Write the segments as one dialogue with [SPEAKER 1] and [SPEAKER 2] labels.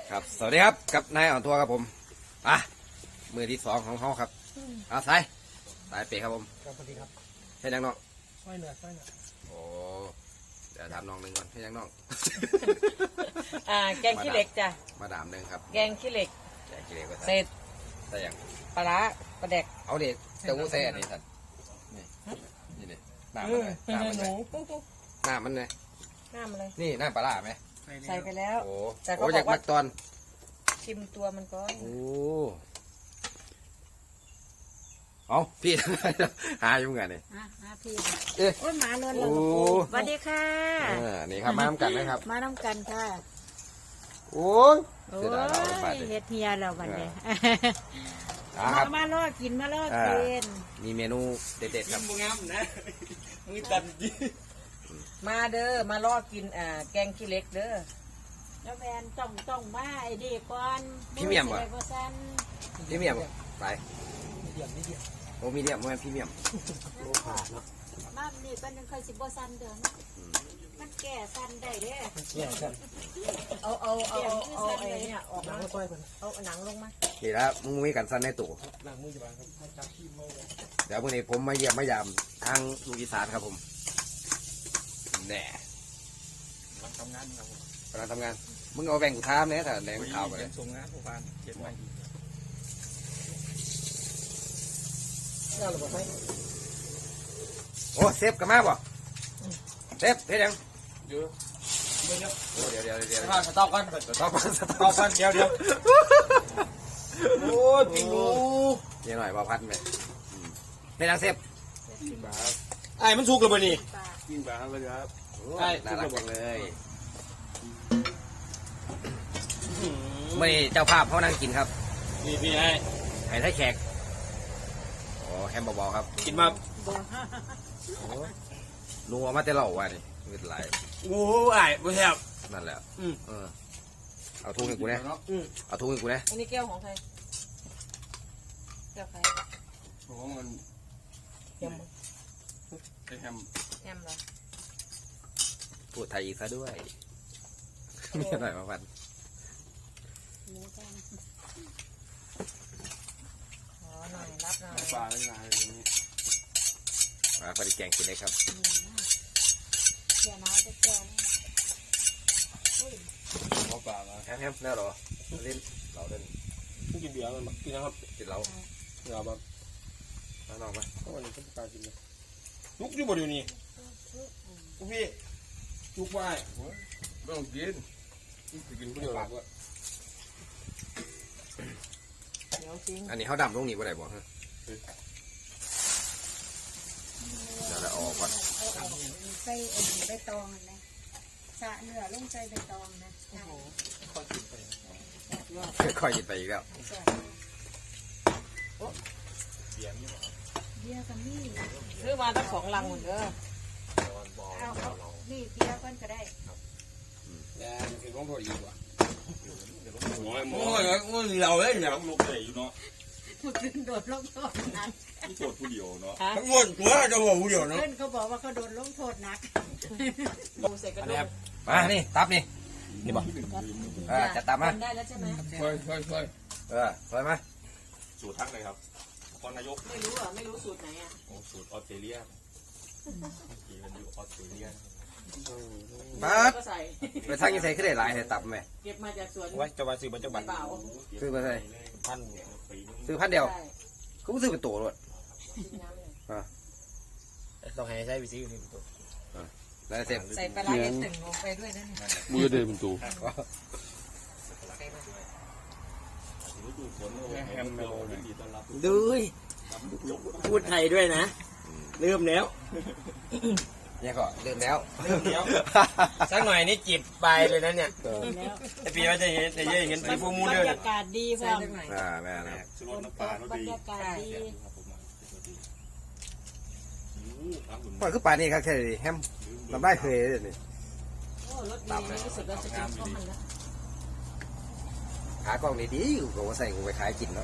[SPEAKER 1] ครับสวัสดีครับกับนายอ่อนทัวร์ครับผมมือที่2ของเขาครับสายเปครับผม
[SPEAKER 2] ครับสวัสดีครับ
[SPEAKER 1] ให้ยังน้อง
[SPEAKER 2] สร้อยเหนือ
[SPEAKER 1] โอ้เดี๋ยวถามน้องหนึ่งก่อนให้ยังน้อง
[SPEAKER 3] แกงขี้เหล็กจ้ะ
[SPEAKER 1] มาดามหนึ่งครับ
[SPEAKER 3] แกงขี้เหล็ก
[SPEAKER 1] แกงขี้เหล็ก
[SPEAKER 3] เสร็จ
[SPEAKER 1] แต่ยัง
[SPEAKER 3] ปลาร้าปลาแดก
[SPEAKER 1] เอาเด็กแต่กูใส่อันนี้สันนี่นี่หน้ามันเลยหน้ามันเลยหน้ามันเลย
[SPEAKER 3] น้ำอะไร
[SPEAKER 1] นี่หน้าปลาไหม
[SPEAKER 3] ใส่ไปแล้ว
[SPEAKER 1] โอ้
[SPEAKER 3] แต่เขา
[SPEAKER 1] โอ้อยากมักตอน
[SPEAKER 3] ชิมตัวมันก่อน
[SPEAKER 1] โอ้เอาพี่ หาอยู่ไงนี่
[SPEAKER 4] พี่
[SPEAKER 1] เอ๊ะ
[SPEAKER 4] โอ้ยหมานวลเลยสวัสดีค่ะ
[SPEAKER 1] นี่ครับมาน้ำกันนะครับ
[SPEAKER 4] มาน้ำกันค่ะ
[SPEAKER 1] โอ้ย
[SPEAKER 4] โอ้ยเฮ็ดเฮียเราวันนี้มาล่อกินมาล่อกิน
[SPEAKER 1] มีเมนูเด็ดๆครับ
[SPEAKER 2] งามนะมือตันดี
[SPEAKER 3] มาเด้อมาล่อกินแกงขี้เหล็กเด้อ
[SPEAKER 4] แล้วแมนต้องมาไอ้ดีก่อน
[SPEAKER 1] พี่เมียมวะพี่เมียมไป
[SPEAKER 2] มีเดียม
[SPEAKER 1] โอ้มีเดียมมันพี่เมียม
[SPEAKER 2] โลขาดเนาะ
[SPEAKER 4] มานี่เป็นเคยสิบ่ซันเด้อมันแก่ซันได้เด้
[SPEAKER 2] แก่กัน
[SPEAKER 3] เอาไอ้เนี่ยออกมา
[SPEAKER 2] ค่อยๆกัน
[SPEAKER 3] เอาหนังลงมา
[SPEAKER 1] นี่แล้วมึงมีกันสั้นในตู้
[SPEAKER 2] หลังมือจะบางครับมาจับขี้มือ
[SPEAKER 1] เดี๋ยววันนี้ผมมาเยี่ยมมายามทางลูกอีสานครับผมแน่
[SPEAKER 2] ทำงานครับผม
[SPEAKER 1] กำลังทำงานมึงเอาแบ่งกูท้ามเนี่ยแต่แบ่งข่าวไปเลย
[SPEAKER 2] ส่งงานผู้พันเจ็ดวัน
[SPEAKER 1] โอ้เซฟกันมาบ่เซฟเฮ็ดยัง
[SPEAKER 2] เดี๋ยว
[SPEAKER 1] สต็อปกันเดี๋ยว
[SPEAKER 2] โอ้ยปิงลู
[SPEAKER 1] เดี๋ยวหน่อยบ่พัดไปเฮ็ดยังเซฟ
[SPEAKER 2] ไอ้มันสุกแล้วบ่นี่กินบาเลยครับ
[SPEAKER 1] น่ารักจังเลยไม่เจ้าภาพเขานั่งกินครับ
[SPEAKER 2] นี่พี่
[SPEAKER 1] ให้ไทยแขกโอ้แฮมเบาๆครับ
[SPEAKER 2] กินมา
[SPEAKER 1] ลุงเอามาแต่เหล่าว่ะนี่ไม่เป็นไร
[SPEAKER 2] โอ้ไอ้บ่แซ่บ
[SPEAKER 1] นั่นแหละเอาทุ่งให้กูนะเอาทุ่งให้กูนะ
[SPEAKER 3] อันนี้แก้วของใครแก้วใคร
[SPEAKER 2] ของมัน
[SPEAKER 3] แฮม
[SPEAKER 2] แฮม
[SPEAKER 3] เหรอ
[SPEAKER 1] พูดไทยอีกซะด้วยมีหน่อยมาพัน
[SPEAKER 3] หน่อยรับหน่อย
[SPEAKER 2] ปลาเลยนะนี้
[SPEAKER 1] มาพอดีแกงกินได้ครับ
[SPEAKER 4] เดี๋ยวน้อยจะแก่
[SPEAKER 2] ขอปลามา
[SPEAKER 1] แฮมแล้วหรอเล่นเราเล่น
[SPEAKER 2] กินเบียร์มันกินนะครับ
[SPEAKER 1] กินเรา
[SPEAKER 2] เราแบบ
[SPEAKER 1] น้องมา
[SPEAKER 2] ก็วันนี้ก็ปลากินเลยลุกอยู่บ่เดี๋ยวนี้พี่ลุกไหวไม่ต้องกินกินคนเดียวหรอก
[SPEAKER 1] อันนี้เขาดำลงนี่ว่าไหนบอกฮะเดี๋ยวเราออกก่อน
[SPEAKER 4] ใส่ใบตองนะสะเนื้อลงใส่ใบตองนะ
[SPEAKER 1] ค่อยกินไปอีกแล้ว
[SPEAKER 4] เบียร์กับมี่
[SPEAKER 3] ซื้อมาตั้ง2 ลังหมดเด้อ
[SPEAKER 4] เอานี่เบียร์กันก็ได้
[SPEAKER 2] แล้วคือต้องโทษอีกว่ะโอ้ยเราเล่นเนี่ยลงเลยอยู่เนาะ
[SPEAKER 4] ผู้ขึ้นโดดลงโทษนัก
[SPEAKER 2] ผู้โทษผู้เดียวเนาะทั้งหมดตัวจะบอกผู้เดียวเนาะ
[SPEAKER 4] เพื่อนเขาบอกว่าเขาโดนลงโทษนัก
[SPEAKER 3] ปูใส่กระดูก
[SPEAKER 1] มานี่ตับนี่บอกจะตับมา
[SPEAKER 3] ได้แล้วใช่ไหม
[SPEAKER 2] ค่อย
[SPEAKER 1] ไปมา
[SPEAKER 2] สูตรทักเลยครับพอนายก
[SPEAKER 3] ไม่รู้สูตรไหนอ่ะ
[SPEAKER 2] สูตรออสเตรเลียกี่มันอยู่ออสเตรเลีย
[SPEAKER 1] มาไปทางยี่ใส่ขึ้นได้หลายให้ตับไหม
[SPEAKER 3] เก็บมาจากสวน
[SPEAKER 2] ไว้จะมาซื้อมาจากบ้าน
[SPEAKER 1] ซื้อมาใส่
[SPEAKER 2] พัน
[SPEAKER 1] ซื้อ1,000 เดียวเขาซื้อเป็นตัวรถ
[SPEAKER 2] ต้องให้ใช้วิธีนี้เป็นตัว
[SPEAKER 1] แล้วเสร็จ
[SPEAKER 3] ใส่ปลาเล็กตึงลงไปด้วยนั่น
[SPEAKER 5] มือเดินเป็นตัว
[SPEAKER 2] ดูพูดไทยด้วยนะเริ่มแล้ว
[SPEAKER 1] เนี่ยก็เริ่มแล้ว
[SPEAKER 2] สักหน่อยนี่จีบไปเลยนะเนี่ยไอปีว่าจะเห็นฟูมูเดิน
[SPEAKER 4] บรรยากาศดีพ่อ
[SPEAKER 1] แม่นะ
[SPEAKER 4] บรรยากาศดี
[SPEAKER 1] ปล่อยคือป่านี่ครับแค่นี้แฮมลำได้เคยเลยนี่
[SPEAKER 3] รถดีรู้สึกว่าจะกินข้าวมันแล้ว
[SPEAKER 1] ขากล้องดีๆอยู่ก็ว่าใส่กูไปขายกินแล้ว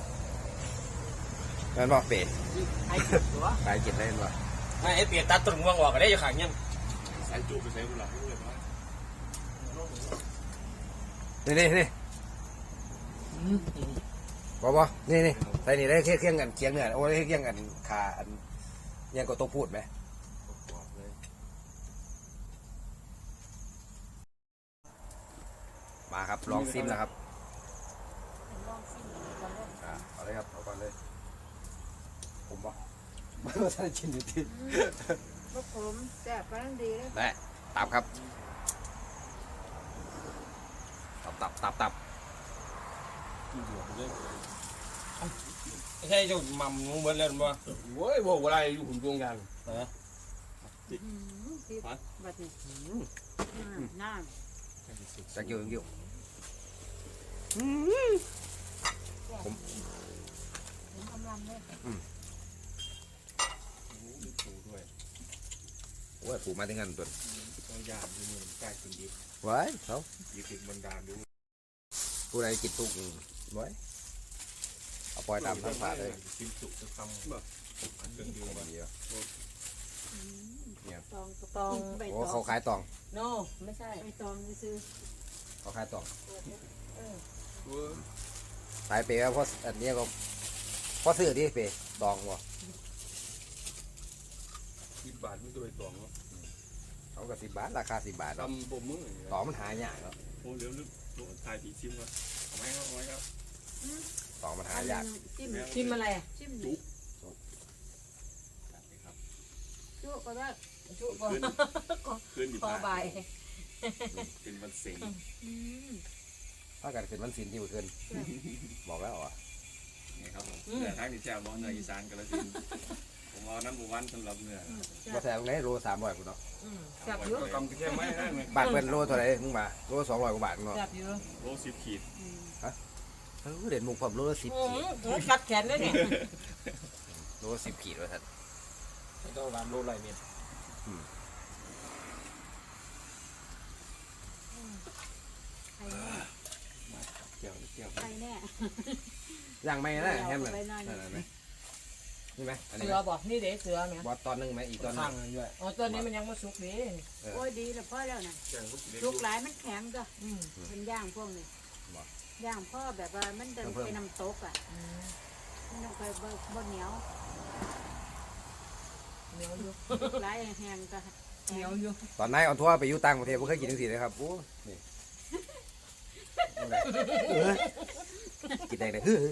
[SPEAKER 1] นั่นบอกเป็ดขายกินได้หรอ
[SPEAKER 2] ไอเปียตัดต้นม่วงออกก็ได้อยู่ขางยัง
[SPEAKER 5] ใส่จูบไปใส่กุหลาบ
[SPEAKER 1] นี่บ่นี่ใส่นี่ได้เคี่ยงกันเคี่ยงเนื้อโอ้ได้เคี่ยงกันขาอันยังก็ต้องพูดไหมมาครับลองซิมนะครับเอาเลยครับเอาก่อนเลยผมบ่ไม่ว่าจะกินอยู่ที่
[SPEAKER 4] พวกผมแซ่บกำลังดีเลย
[SPEAKER 1] ได้ตับครับตับ
[SPEAKER 2] ใช่เจ้าหม่ำงูเบิดแล้วบ่โว้ยบ่อะไรอยู่หุ่นดวงยันฮะ
[SPEAKER 4] บัดนี้น้
[SPEAKER 1] จะเกี่ยว
[SPEAKER 4] ำผมกำลังเลย
[SPEAKER 2] ถูด้วย
[SPEAKER 1] โอ้ยผูกมาถึงกันตัว
[SPEAKER 2] ต้องยามดูมือใกล้กินดี
[SPEAKER 1] ไว้เขา
[SPEAKER 2] ยิบบันดาลดู
[SPEAKER 1] ผู้ใดกินตุกไว้เอาปล่อยตามทางผ่านเลย
[SPEAKER 2] กินจุกจะทำแบบเครื่องดื่ม
[SPEAKER 1] ดีอ่ะ
[SPEAKER 4] ตองใบ
[SPEAKER 1] โอ้
[SPEAKER 4] ตอ
[SPEAKER 1] เขา
[SPEAKER 4] ง
[SPEAKER 1] ขายตอง
[SPEAKER 3] โนไม่ใช่
[SPEAKER 4] ใบตองซื้อ
[SPEAKER 1] เขาขายตอง
[SPEAKER 2] เว้ย
[SPEAKER 1] ขายเปย์เพราะอันนี้ก็เพราะซื้อที่เปย์ตองวะ
[SPEAKER 2] 10 บาทไม่ตัวไอ้ตองเนาะ
[SPEAKER 1] เขาก็10 บาทราคา10 บาทเนาะ
[SPEAKER 2] ทำบ่มือ
[SPEAKER 1] ตองมันหายากเนาะ
[SPEAKER 2] โอ้เดี๋ยวลึกทายผีชิมก่อนเอาไหมครับ
[SPEAKER 1] ตองมัน
[SPEAKER 4] ๆ
[SPEAKER 1] หายาก
[SPEAKER 4] จิ้ม
[SPEAKER 3] ชิมอะไรอ่ะ
[SPEAKER 4] จิ้ม
[SPEAKER 2] จุก
[SPEAKER 4] จุก็ได้
[SPEAKER 3] จุก่อน
[SPEAKER 2] ขึ้นอยู่
[SPEAKER 3] พอ
[SPEAKER 2] ผ่าน
[SPEAKER 3] ใบ
[SPEAKER 2] เป็นวันเสง
[SPEAKER 1] ถ้ากันเป็นวันศิลป์ที่เมื่อคืนบอกแล้วอ่ะ
[SPEAKER 5] นี่ครับผมเนื้อทางที่แจ่วบ่เนื้ออีสานกระสินธุ์ผมเอาน้ำบุวันสำหรับเนื้อ
[SPEAKER 1] มาแซงไหนโล300กูเนาะ
[SPEAKER 3] แซ่บอยู่
[SPEAKER 2] ก็กำแค่ไม่ได้ไหม
[SPEAKER 1] บาทเพิ่นโลเท่าไหร่มึงมาโล200 กว่าบาทเนาะ
[SPEAKER 3] แซ่บอยู่
[SPEAKER 5] โล10 ขีด
[SPEAKER 1] เด่นมุกผมโลละ10 ขีด
[SPEAKER 3] กัดแขนเลยเนี่ย
[SPEAKER 1] โลละ10 ขีดว่าท่าน
[SPEAKER 2] ต้องร้านโลไรเม็ด
[SPEAKER 4] ไข่แน่
[SPEAKER 2] เกี่ยว
[SPEAKER 4] ไข่แน่
[SPEAKER 1] ย่างไม่นะแฮมเลยนั่นไหมนี่ไหมอันนี้
[SPEAKER 3] เสือบอกนี่เด็เสือไหม
[SPEAKER 1] บอสตอนนึงไหมอีกตอนนึ
[SPEAKER 2] ข้าง
[SPEAKER 1] ง
[SPEAKER 2] เลยด้วย
[SPEAKER 3] อ๋อตัวนี้มันยังไม่สุกดี
[SPEAKER 4] โอ้ยดีแล้วพ่อแล้วนะ
[SPEAKER 2] แกงลูกเล็ก
[SPEAKER 4] ลูกหลายมันแข็งก็
[SPEAKER 3] อืม
[SPEAKER 4] เป็นย่างพวกนี้ย่างพ่อแบบว่ามันจะเป็นน้ำตกอ่ะมันต้องไปบ่เหนียว
[SPEAKER 3] เหนียวอยู่
[SPEAKER 4] ลูกหลายแห้งก็
[SPEAKER 3] เหนียวอยู่
[SPEAKER 1] ตอนนายออนทัวร์ไปอยู่ต่างประเทศผมเคยกินทั้งสี่เลยครับโอ้นี่กินได้เลยเฮ้ย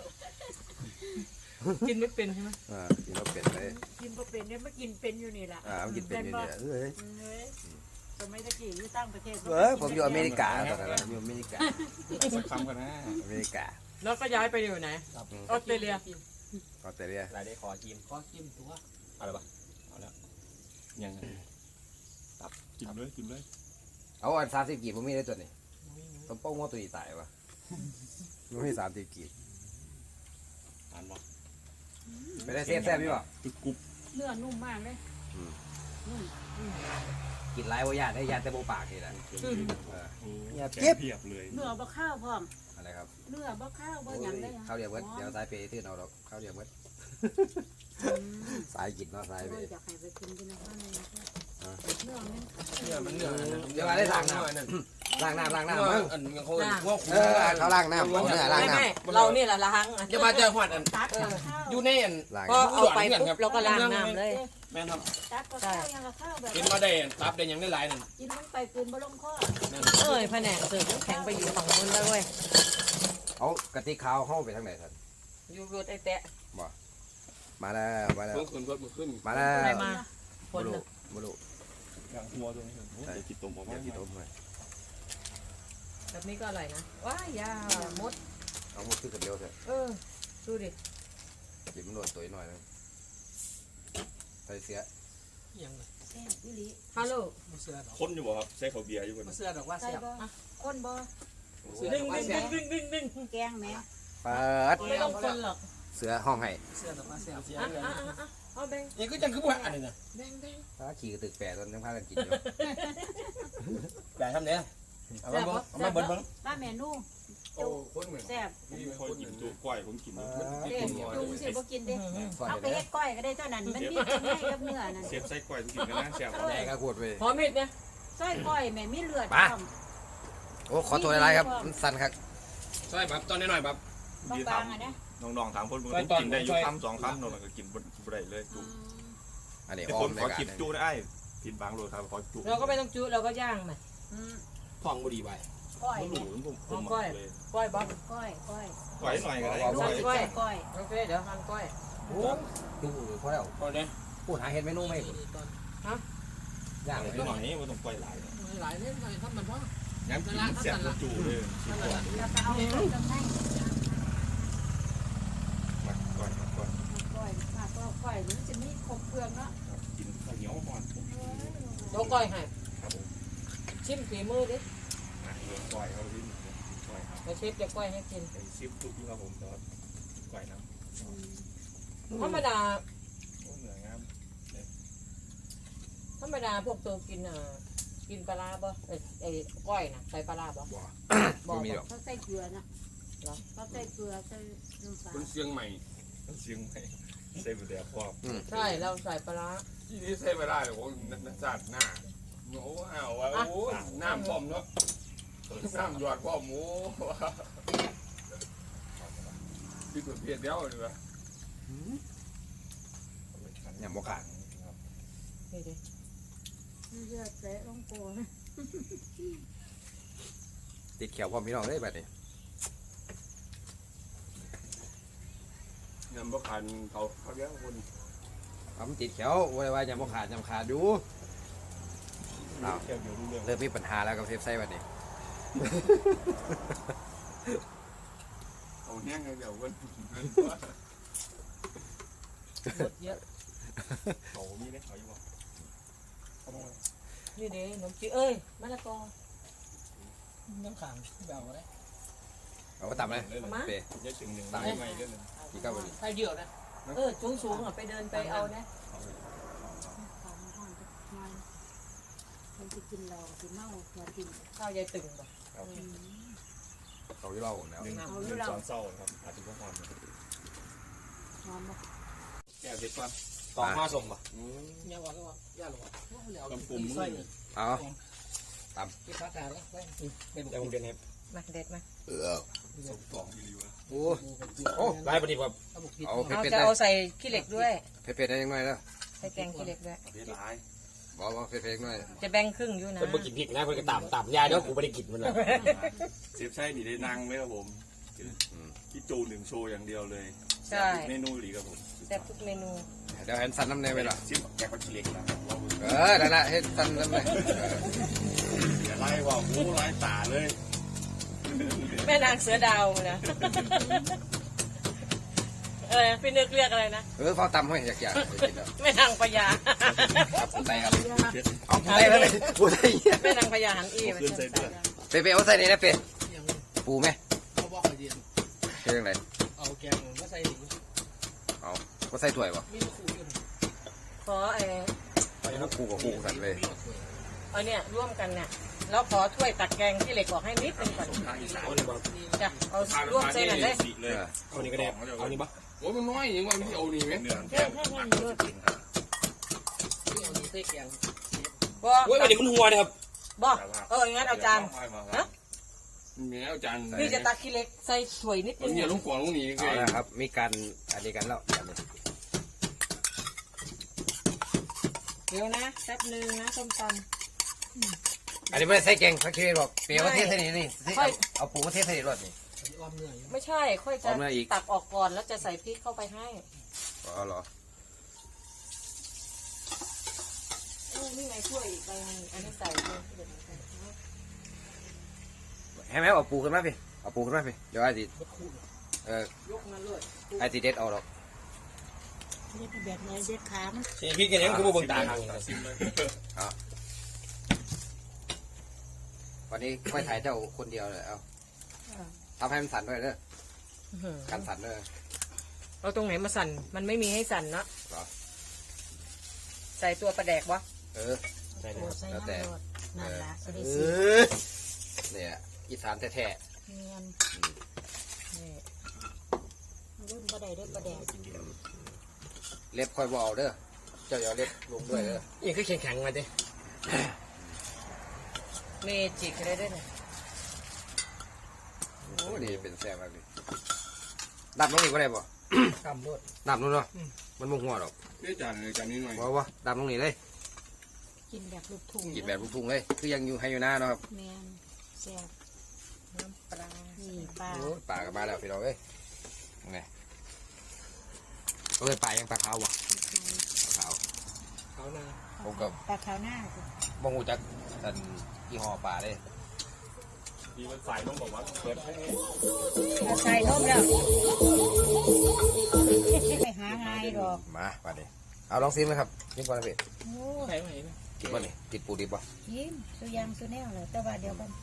[SPEAKER 3] กินไม่เป็นใช่ไหม
[SPEAKER 1] กินแล้วเป็ดเลย
[SPEAKER 4] กินบ่เป็นเนี่ยมากินเป็นอยู่นี่แหละ
[SPEAKER 1] มันกินเป็นอยู่เนี่ยเฮ้ย
[SPEAKER 4] เฮ้ยสมัยตะกี้อยู่ต่างประเทศ
[SPEAKER 1] ผมอยู่อเมริกาตอนนั้นอยู่อเมริกา
[SPEAKER 2] สักคำกันนะ
[SPEAKER 1] อเมริกา
[SPEAKER 3] แล้วก็ย้ายไปอยู่ไหนออสเตรเลีย
[SPEAKER 1] ออสเตรเลีย
[SPEAKER 5] รายได้ขอจิ้ม
[SPEAKER 3] ก็จิ้มตัว
[SPEAKER 5] อะไรปะเอาแล้วยังกินเลย
[SPEAKER 1] เอาอัน30 กีบผมมีได้ตัวนี้ต้มโป้งว่าตัวนี้ตายวะมันมี30 กีบ
[SPEAKER 5] อ่านบ่
[SPEAKER 1] ไปได้แซ่บพี่ป่ะ
[SPEAKER 5] ตึกกุบ
[SPEAKER 4] เนื้อนุ่มมากเลยนุ่ม
[SPEAKER 1] กินไรวะญาติได้ญาติแต่โบปากนี่แหละ
[SPEAKER 5] อย่าเพียบเลย
[SPEAKER 4] เนื้อบ่ข้าวพร้อม
[SPEAKER 1] อะไรครับ
[SPEAKER 4] เนื้อบ่ข้าวบ่หยังได้
[SPEAKER 1] ข้าวเดียวเบิดเดี๋ยวสายเปย์ที่เราดอกข้าวเดียวเบิดสายกินเนาะสายเป
[SPEAKER 4] โอ้ย
[SPEAKER 1] ย์
[SPEAKER 4] อยากให้ไปกินกันนะข้าวในเนื้อมัน
[SPEAKER 2] เนี่ยมันเนี่ย
[SPEAKER 1] เดี๋ยวมาได้ล้างน้ำล้างน้ำมั้ง
[SPEAKER 2] อันนี้เขาว่าคุณ
[SPEAKER 1] เขาล้างน้ำเนื้อล้าง
[SPEAKER 3] ไม่
[SPEAKER 1] น้
[SPEAKER 3] ไม่เรานี่แหละล้าง
[SPEAKER 2] จะมาเจอหวัดอัน
[SPEAKER 4] ตักกับข้าว
[SPEAKER 2] อยู่ในอัน
[SPEAKER 1] ำล้าง
[SPEAKER 3] ก็เอาไปปุ๊บเราก็ล้างน้ำเลย
[SPEAKER 2] แม่ครับ
[SPEAKER 4] ตักกับข้าวยังกับข้าวแบบ
[SPEAKER 2] กินมาได้ตับได้ยังได้หลายนั่น
[SPEAKER 4] กินมันไปกินบ่ลงคอ
[SPEAKER 3] เอ้ยแผนกเสิร์ฟน้ำแข็งไปอยู่ฝั่งนู้นแล้วเว้ย
[SPEAKER 1] เอากะทิขาวเข้าไปทางไหนท่าน
[SPEAKER 3] อยู่รถไอ้แตะ
[SPEAKER 1] มาแล้วมาแล้ว
[SPEAKER 2] เพิ่งขึ้นรถมาขึ้น
[SPEAKER 1] มาแล้ว
[SPEAKER 3] อะไรมาค
[SPEAKER 1] บุ
[SPEAKER 3] น
[SPEAKER 1] รุ
[SPEAKER 3] น่ะ
[SPEAKER 1] บุรุ
[SPEAKER 5] อย่างหัวตรงนี้เดี๋ยวกินต้มออก
[SPEAKER 1] อ
[SPEAKER 5] มา
[SPEAKER 1] ย่ากินต้มเลย
[SPEAKER 3] แบบนี้ก็อร่อยนะว้ายยามด
[SPEAKER 1] เอาหมดขึ้นกันเดียวเถอะ
[SPEAKER 3] ดูดิ
[SPEAKER 1] กินมันโดนตัวหน่อยนึงใส่เสีย
[SPEAKER 3] ยังไง
[SPEAKER 4] แซ่บอีหลี
[SPEAKER 3] ฮัลโหล
[SPEAKER 5] คนอยู่บ่ครับใช้ข้าวเบียร์อยู่บน
[SPEAKER 3] เสื้อดอกว่า
[SPEAKER 4] ใส่
[SPEAKER 3] เสียบ
[SPEAKER 4] บ่คนบ่
[SPEAKER 3] ดึงดึง
[SPEAKER 4] แกงแหม
[SPEAKER 1] เปิด
[SPEAKER 3] ไม่ต้องคนหรอก
[SPEAKER 1] เสือห้องให้
[SPEAKER 3] เอาแบง
[SPEAKER 2] นี่ก็จังคือว่าอันนี้นะ
[SPEAKER 3] แบง
[SPEAKER 1] ถ้าขี่กระตึกแปะตอนยังพากันกินอยู่
[SPEAKER 2] แต่ทำเนี้ยเอามาเอามาเบิ้ลเบิ้ล
[SPEAKER 4] ป้าเมนู
[SPEAKER 2] โอ้คนเหมือน
[SPEAKER 4] แซ่บ
[SPEAKER 5] ผมไม่ค่อยกินจุก้อยผมกิน
[SPEAKER 4] เด้จุงสิบ่กินเด้
[SPEAKER 1] ซอย
[SPEAKER 4] เอาไป
[SPEAKER 1] เด้
[SPEAKER 4] เฮ็ดก้อยก็ได้เท่านั้นมันมีกินได้กับเนื้อนั่น
[SPEAKER 5] เสียบไส้ก้อยผมกินกันนะแซ่บ
[SPEAKER 1] แม่ก็ขวดไป
[SPEAKER 3] พร้อมมิดเนี่ย
[SPEAKER 4] ซอยก้อยแม่มีเลือด
[SPEAKER 1] โอ้ขอตัวอะไรครับมันสั่นครับ
[SPEAKER 2] ใช่แบบตอนนี้หน่อยแบบ
[SPEAKER 4] บางๆอ่ะนะ
[SPEAKER 5] น้องๆถามคนมึงกินได้อยู่คำ2 คำมันก็กินบ่ได้เลยจุ
[SPEAKER 1] อันนี้
[SPEAKER 5] ไอ้
[SPEAKER 1] อ้
[SPEAKER 5] ค
[SPEAKER 1] อน ม
[SPEAKER 5] ข
[SPEAKER 1] ใน
[SPEAKER 5] อ
[SPEAKER 1] การ
[SPEAKER 5] จิบจุได้ผิดบางโลครับขอจุ
[SPEAKER 3] เราก็ไม่ต้องจุเราก็ย่างมัน
[SPEAKER 2] ทองบุรีไป
[SPEAKER 4] ก้อย
[SPEAKER 5] ห
[SPEAKER 4] เนี่ย
[SPEAKER 5] ลูผมเลย
[SPEAKER 3] ก้อยบ๊อบ
[SPEAKER 4] ก้อยก้อย
[SPEAKER 5] ไหวหน่อยก็ได้
[SPEAKER 3] ก้อย
[SPEAKER 4] ก้อย
[SPEAKER 3] โอเคเดี๋ยวหั่นก้อย
[SPEAKER 1] โอ้ดูพอแล้ว
[SPEAKER 2] ก็ได้
[SPEAKER 1] พูดหาเห็ดเมนูไหมย่าง
[SPEAKER 5] ไหว
[SPEAKER 1] เลย
[SPEAKER 5] หน่อยไม่ต้องปล่อยหลาย
[SPEAKER 6] หลายเล่นหน่อยครับมันว่า
[SPEAKER 5] ย้ำกินแซ่บจุเลย
[SPEAKER 4] แล้วก็เอาไปทำให้
[SPEAKER 5] มาก่อน
[SPEAKER 4] ก้อยมาก็ก้อยหรือจะมีครบเครื่องเนาะ
[SPEAKER 5] กินข้าวเหนียวก่อน
[SPEAKER 3] โต๊ะก้อยให้
[SPEAKER 5] ครับผม
[SPEAKER 3] ชิมฝีมือดิ
[SPEAKER 5] ก่อยเขาดิ้นก่อยครับ
[SPEAKER 3] เดี๋ยวเชฟจะก้อยให้กิน
[SPEAKER 5] ไอ้ซิปทุกที่ครับผมตอนก่อยน้ำ
[SPEAKER 3] ธรรมดา
[SPEAKER 5] เหนืองาม
[SPEAKER 3] ธรรมดาพวกตัวกินกินปลาร้าบ่ไอ้ก้อยน่ะใส่ปลาร้าบ่
[SPEAKER 1] บ่มีหรอก
[SPEAKER 4] เขาใส่เกลือนะเขาใส่เกลือใส่น้ำปลา
[SPEAKER 2] คนเชียงใหม่
[SPEAKER 5] เสียงไม่ใส่บุเดียพอ
[SPEAKER 3] ใช่เราใส่ปลาร้า
[SPEAKER 2] ที่นี่ใช้ไม่ได้เลยโอ้นักจัดหน้าโอ้ว้าวโอ้น้ำป้อมเนาะน้ำหยอดป้อมโอ้ที่ตัวเพียรเดียวเลยวะ
[SPEAKER 1] อย่างบ่ขาด
[SPEAKER 3] นี่ดิ
[SPEAKER 4] เลือดเตะลงโกน
[SPEAKER 1] ติดเขียวพร้อมพี่น้องเลยแบบนี้
[SPEAKER 2] ยำบะขันเขาเลี้ยงคน
[SPEAKER 1] ทำติดเขียวไว้ว่าอย่างบ่ขาดยำขาดอยู่
[SPEAKER 5] เที่ยวอยู่รู้เรื่อง
[SPEAKER 1] เริ่มมีปัญหาแล้วกับเซฟไซแบบนี้
[SPEAKER 2] เอาแห้งเดี๋ยวคน
[SPEAKER 3] หมดเยอะ
[SPEAKER 5] เขามีได้เขาอยู่บ่
[SPEAKER 3] นี่ดิขนมจีนเอ้ยมะละกอ
[SPEAKER 6] น้ำขังแบบอะไร
[SPEAKER 1] เอาไปตับเลยเป
[SPEAKER 5] เยอะถึงหนึ่งตายใหม่เรื่องนึง
[SPEAKER 1] กี่ก้าวดี
[SPEAKER 6] ไทยเดียวนะ
[SPEAKER 3] สูงอ่ะไปเดินไปเอานะ
[SPEAKER 4] ของห้องจะนอนคนจะกินเราจะเมาจะกิน
[SPEAKER 3] ข้าวยายตึงบ่
[SPEAKER 1] เขาที่เราแล้ว
[SPEAKER 5] หนึ่งตอนเศร้าครับอาจจะก็หอน
[SPEAKER 4] นอนมา
[SPEAKER 5] แก้วเด็ดก่อน
[SPEAKER 2] ต่อมาส่งป่ะ
[SPEAKER 6] ยาหวานก็ยาหลวง
[SPEAKER 5] กำปุ่ม
[SPEAKER 6] ใส่
[SPEAKER 1] เอา
[SPEAKER 6] ที่พักการแล้วเป็น
[SPEAKER 5] แต่ผมเป็นเห็ด
[SPEAKER 3] มาเด็ดมา
[SPEAKER 5] สองกิโล
[SPEAKER 1] โอ้
[SPEAKER 2] โอ้ไล่ปฏิบัติ
[SPEAKER 1] เอา
[SPEAKER 3] เอา
[SPEAKER 1] เผ็ด
[SPEAKER 3] จะ
[SPEAKER 1] ๆได้
[SPEAKER 3] เอาใส่ขี้เหล็กด้วย
[SPEAKER 1] เผ็ดๆได้ยังไงแล้ว
[SPEAKER 3] ใส่แกงขี้เหล็กด้วย
[SPEAKER 5] เด็ดหลาย
[SPEAKER 1] บอกเผ็ดๆหน่อย
[SPEAKER 3] จะแบ่งครึ่งอยู่นะ
[SPEAKER 6] เพิ่นบ่กินพริกนะเพิ่นก็ต่ำยาเด้อกูไม่ได้กินมันเลย
[SPEAKER 5] เซฟใช่หนีได้นั่งไหมครับผมที่จูหนึ่งโชว์อย่างเดียวเลย
[SPEAKER 3] ใช่
[SPEAKER 5] เมนูหลีครับผม
[SPEAKER 3] แซ่บทุกเมนู
[SPEAKER 1] เดี๋ยวเห็นสันน้ำเนยไปหรอ
[SPEAKER 5] ชิมแกงปลาชิเล็กนะ
[SPEAKER 1] นั่นแหละเห็นสันน้ำเนย
[SPEAKER 5] อย่าไล่ว่าโอ้ไล่ตาเลย
[SPEAKER 3] แม่นางเสือดาวนะอะไรพี่นึกเรียกอะไรนะ
[SPEAKER 1] เขาตำให้อยากๆ
[SPEAKER 3] แม่นางพญา
[SPEAKER 1] ครับผู้ใดครับเอาผู้ใดเลยผู้ใด
[SPEAKER 3] แม่นางพญาหันอีไป
[SPEAKER 5] ขึ้นใส่เดือด
[SPEAKER 1] เปเอาใส่นี่นะเปปูไหม
[SPEAKER 6] เขาบอกไอเดีย
[SPEAKER 1] เรื่องไร
[SPEAKER 6] เอาแกงมาใส่หนิ
[SPEAKER 1] เอาก็ใส่ถ้วยป่ะ
[SPEAKER 6] มีขู่อยู่
[SPEAKER 3] ขอ
[SPEAKER 1] ปูกับปูกันเลย
[SPEAKER 3] เอาเนี่ยร่วมกันเนี่ยแล้วขอถ้วยตักแกงขี้เหล็กบอกให้นิดนึงก่อน
[SPEAKER 5] ทางอีสาน
[SPEAKER 3] จ้ะเอาร่วมเส้นหน่อยเลย
[SPEAKER 5] เลย
[SPEAKER 6] เอานี่ก็ได้เอานี่ปะ
[SPEAKER 2] โอ้มันน้อยอย่างว่าที่เอานี่ไหม
[SPEAKER 5] เนื้อแกง
[SPEAKER 6] เอานี่ใส่แกง
[SPEAKER 3] บ่
[SPEAKER 6] โอ้ยอันนี้มันหัวนะครับ
[SPEAKER 3] บ่งั้นเอาจาน
[SPEAKER 2] แม่อาจารย์
[SPEAKER 3] พี่จะตักขี้เหล็กใส่ถ้วยนิดนึ
[SPEAKER 2] มัน
[SPEAKER 3] ง
[SPEAKER 2] เนี่ยลุงกวางลุงหนี
[SPEAKER 1] เอาละครับมีการอันนี้กันแล้ว
[SPEAKER 3] เดี๋ยวนะแป๊บนึงนะส้มต
[SPEAKER 1] อันนี้ไม่ใส่แกงพักชีบอกเปรี้ยวเทศนี่นี่เอาปูเทศนี่รสนี่
[SPEAKER 6] อ้อมเนื้ออยู่
[SPEAKER 3] ำไม่ใช่ค่อยจะตักออกก่อนแล้วจะใส่พริกเข้าไปให้
[SPEAKER 1] อ๋อเหรอ
[SPEAKER 3] นี่ไงถ้วยอีกใบนึงอันนี้ใส่เลย
[SPEAKER 1] ให้แม่เอาปูขึ้นมาพี่เอาปูขึ้นมาพี่เดี๋ยวไอ้ติ
[SPEAKER 3] ยกมาเลย
[SPEAKER 1] ไอ้ติเด็ดเอาหรอก
[SPEAKER 4] เด็ดแบบไหนเด็ดขามัน
[SPEAKER 6] เสียพริกกันยังคือบ่เบิ่งตาทาง
[SPEAKER 5] ซิมเลย
[SPEAKER 1] วันนี้ค่อยถ่ายเจ้าคนเดียวเลยเอาทำให้มันสั่นด้วยเด้อกันสั่นด้วย
[SPEAKER 3] เอาตรงไหนมาสั่นมันไม่มีให้สั่นเนาะ
[SPEAKER 1] หรอ
[SPEAKER 3] ใส่ตัวปลาแดกวะ
[SPEAKER 6] ใส่เลย
[SPEAKER 4] ใส่น้ำรดนั่นละจะได้
[SPEAKER 1] เอ
[SPEAKER 4] สิ
[SPEAKER 1] เนี่ยอีสานแท้
[SPEAKER 4] เนียนนี่รุ่นประเดี๋ยวประเดี๋ยว
[SPEAKER 1] ๆเล็บค่อยบเอาเด้อเจ้าอย่าเล็บลงด้วยเด้อ
[SPEAKER 6] นี่คือแข็งๆมาดิ
[SPEAKER 3] เมจิกเลยด้วยเนี่ยโอ้
[SPEAKER 1] อ้นี่เป็นแซ่บมากเลยดับลงอีกก็ได้ป่ะ
[SPEAKER 6] กำรถ
[SPEAKER 1] ดับลงเนาะมันมุ่งหัวหรอก
[SPEAKER 2] เดี๋ยวจานเลยจานนี้หน่อย
[SPEAKER 1] บอกว่าดับลงนี่เลย
[SPEAKER 4] กินแบบลูกทุ่ง
[SPEAKER 1] กินแบบลูกทุ่งเลยคือยังอยู่ให้อยู่หน้าเนาะครับ
[SPEAKER 4] แมนแซ่บ
[SPEAKER 3] น้ำปลา
[SPEAKER 4] นี่ปลา
[SPEAKER 1] ปลากลับมาแล้วพี่น้องเอ้ยไงก็เลยปลายังปลาขาววะปลาขาว
[SPEAKER 6] เขานา
[SPEAKER 1] ผมกับ
[SPEAKER 4] ปลาขาวหน้าสิ
[SPEAKER 1] บงหูจักอันยี่ห้อปลาเลย
[SPEAKER 5] ดีมันใส่ต้องบอกว่าเปิดให้
[SPEAKER 4] เอาใส่นมแล้วไปหาง่ายดอก
[SPEAKER 1] มาปลาเนี่ยเอาลองซิมเลยครับกินก่อนนะพี่
[SPEAKER 4] โอ้
[SPEAKER 6] ใครมาเห็น
[SPEAKER 1] กินป่ะนี่กินปูดิบป่ะ
[SPEAKER 4] กินสุยางสุแนวเลยแต่ว่าเดียวกัน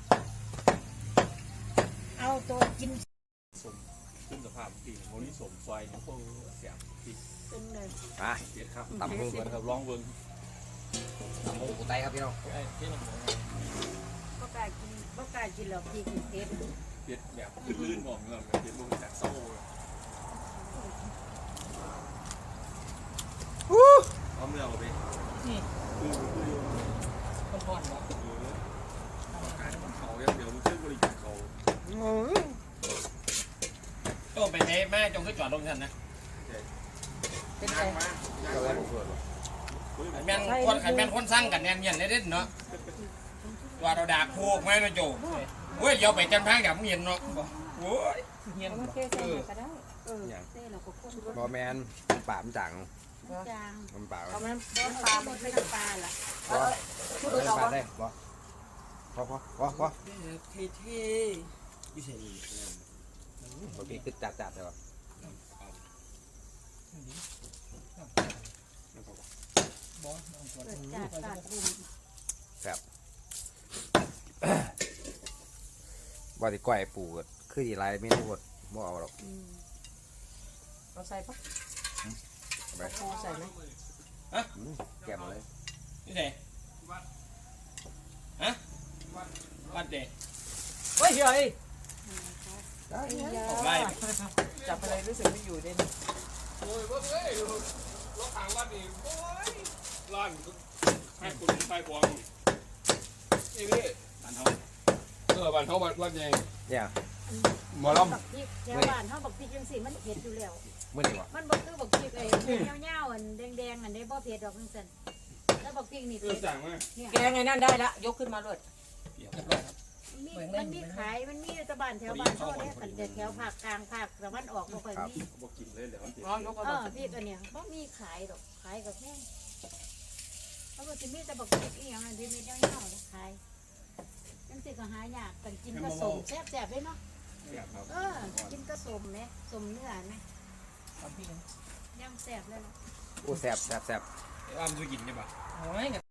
[SPEAKER 4] เอาตัวกิน
[SPEAKER 5] ขึ้นสภาพปีโมนี่สมไฟนี่พวกเสียบปี
[SPEAKER 4] เป็นเลย
[SPEAKER 1] มา
[SPEAKER 5] เสียครับ
[SPEAKER 1] ตำมุ้ง
[SPEAKER 5] เปิดครับลองเบิ้ง
[SPEAKER 1] ตำมุ้งกูไตครับพี่น้อง
[SPEAKER 6] ไอ้ที่มัน
[SPEAKER 4] บ่กล้ากินบ่กล้ากินหรอกพี่กินเผ็ด
[SPEAKER 5] เปียดแบบลื่นๆบอกเงินเปียดลงจากโซ่เอาเมื่อเอาไป
[SPEAKER 3] นี่
[SPEAKER 5] คือ
[SPEAKER 3] คนอ่อนบ่
[SPEAKER 5] การเขาอย่างเดียวมันชื่อบริการเขา
[SPEAKER 6] ก็ไปไหนแม่จงก็จอดลงทันนะ
[SPEAKER 3] เป็นไง
[SPEAKER 1] เจ้าแรกผมส่วนป่ะ
[SPEAKER 6] แม่นคนขันแม่นคนสร้างกันแน่นเย็นได้เด่นเนาะว่าเราด่าโคกไหมนะโจเว้ยเดี๋ยวไปจันทางกับมึงเห็นเนาะโว้ย
[SPEAKER 3] เฮียน
[SPEAKER 4] เอามาเทใส่หน่อยก็ได้เทแล้วก็คน
[SPEAKER 1] บอแมนปลามันจัง
[SPEAKER 4] จาง
[SPEAKER 1] มันปลา
[SPEAKER 3] เอา
[SPEAKER 1] มัน
[SPEAKER 3] มัน
[SPEAKER 4] บ่ปลาหมดไม่ต้องปลาล่ะ
[SPEAKER 1] พอปลาได้พอพอ
[SPEAKER 6] เท่วิเศษ
[SPEAKER 1] บางทีคือจัดใช่ป่ะ
[SPEAKER 4] เกิดจากตาดบุญ
[SPEAKER 1] บอที่ก้อยปูก็คือดีไรไม่รู้ว่าบ่เอาหรอก
[SPEAKER 3] เอาใส่ปะ
[SPEAKER 1] ไป
[SPEAKER 3] เอาใส่ไหม
[SPEAKER 1] แก้มเลย
[SPEAKER 6] นี่ไงฮะวัดเด็ก
[SPEAKER 3] เฮ้ยเฮ้ย
[SPEAKER 6] ออกไล่
[SPEAKER 3] จับอะไรรู้สึกไม่อยู่เด่น
[SPEAKER 2] โอ้ยว่าเฮ้ยรถทางวัดนี่โอ้ยร้านให้คุณไฟบวงนี่พี่
[SPEAKER 6] บ้านเขา
[SPEAKER 2] บ้านเขาวัดใหญ่
[SPEAKER 1] เนี่ย
[SPEAKER 2] หมอล
[SPEAKER 4] บักพริกแถวบ้านเฮาบักพริกจังซี่มันเผ็ดอยู่แล้ว
[SPEAKER 1] เมื่อนี่วะ
[SPEAKER 4] มันบ่คือบักพริกไอ้เหี่ยวๆอันแดงๆอันนี้บ่เผ็ดดอกจังซั่นแล้วบักพริกนี่
[SPEAKER 2] ำ
[SPEAKER 4] เผ็ด
[SPEAKER 2] สั่งมา
[SPEAKER 4] เนี่ย
[SPEAKER 3] แกงไงนั่นได้ละยกขึ้นมาเลย
[SPEAKER 6] เดี๋ยวครับ
[SPEAKER 4] มันมีขายมันมีตะบ้านแถวบ้านเฮาเนี่ยกันแถวภาคกลางภาคตะวันออกบ่ค่อยมี
[SPEAKER 5] บอกกินเลยเดี๋ยวมันติด
[SPEAKER 3] อ๋อยกเอา
[SPEAKER 4] พริกอันเนี้ยบ่มีขายดอกขายก็แพงเพราะว่าสิมีแต่บักพริกอีหยังอันที่มีเหี่ยวๆขายจังซี่ก็หายากกันกินก็สมแซ่บๆเลยเนาะ
[SPEAKER 5] ครับ
[SPEAKER 4] กินก็สมไหมสมเนื้อไหม
[SPEAKER 3] สามพี่
[SPEAKER 4] ย่างแซ่บเลยล่ะ
[SPEAKER 1] โอ้แสบ
[SPEAKER 6] ว่ามันจะกินได้ปะ
[SPEAKER 3] โอ้ย